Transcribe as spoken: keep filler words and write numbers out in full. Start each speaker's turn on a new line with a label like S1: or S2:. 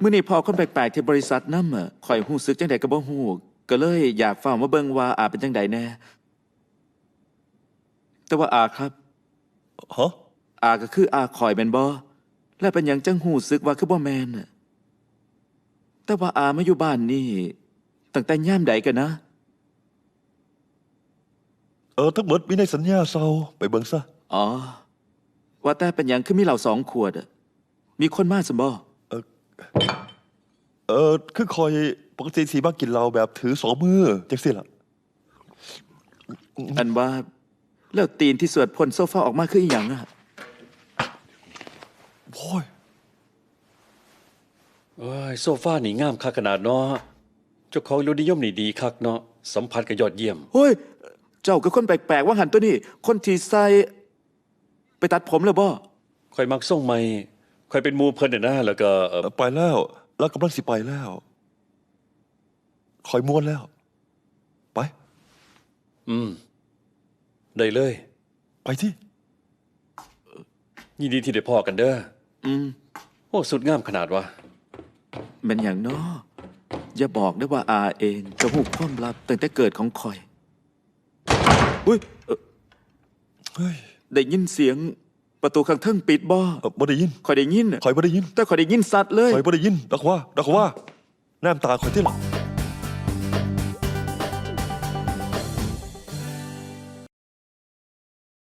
S1: มื่อนี้พอคนแปลกๆที่บริษัทนำอ่ะข่อยหู้สึกจังใดก็บ่ฮู้ก็เลยอยากฟังมาเบิ่งว่าอาเป็นจังใดแน่แต่ว่าอาครับ
S2: ฮะ
S1: อาก็คืออาข่อยแม่นบ่และเป็นหยังจังหู้สึกว่าคือบ่แม่นน่ะแต่ว่าอามาอยู่บ้านนี่ตั้งแต่ยามใดกันนะ
S2: เออทั้งหมดมีในสัญญาเซาไปเบิ่งซะ
S1: อ๋อว่าแต่เป็นหยังคือมีเหล่าสองขวดอะมีคนมาสมบ่
S2: เออคือคอยปกติสีมากินเหล้าแบบถือสองมือจังสิล่ะ
S1: อันว่าแล้วตีนที่สวดพ่นโซฟาออกมาคืออีหยังอะ
S2: โอ้ย
S3: เอ้ยโซฟานี่งามคักขนาดเนาะเจ้าของรสนิยมนี่ดีคักเนาะสัมผัสก็ยอดเยี่ยม
S1: เฮ้ยเจ้าก็คนแปลกๆว่าหันตัวนี้คนที่ใส่ไปตัดผมแล้วบ่
S3: ค่อยมักส่งใหม่ค่อยเป็นหมู่เพิ่นน่ะนะแล้วก็เอ่อ
S2: ไปแล้วแล้วกำลังสิไปแล้วคอยม้วนแล้ว ไป
S3: อืมได้เลย
S2: ไปที่
S3: ยินดีที่ได้พอกันเด้อ
S1: อืม
S3: โอ้สุดงามขนาดวะ
S1: แมันอย่างน้ออย่าบอกได้ว่าอาเองจะหูความลับตั้งแต่เกิดของข่อยอุ้ยเอ่อ
S2: เฮ้ย
S1: ได้ยินเสียงประตูข้างเทิงปิดบ่
S2: เอ่อบ่ได้ยิน
S1: ข่อยได้ยินน่ะ
S2: คอยบ่ได้ยิน
S1: แต่ข่อยได้ยินสัตว์เลย
S2: คอยบ่ได้ยินดอกว่าดอกว่าแนมตาคอยที่หลัง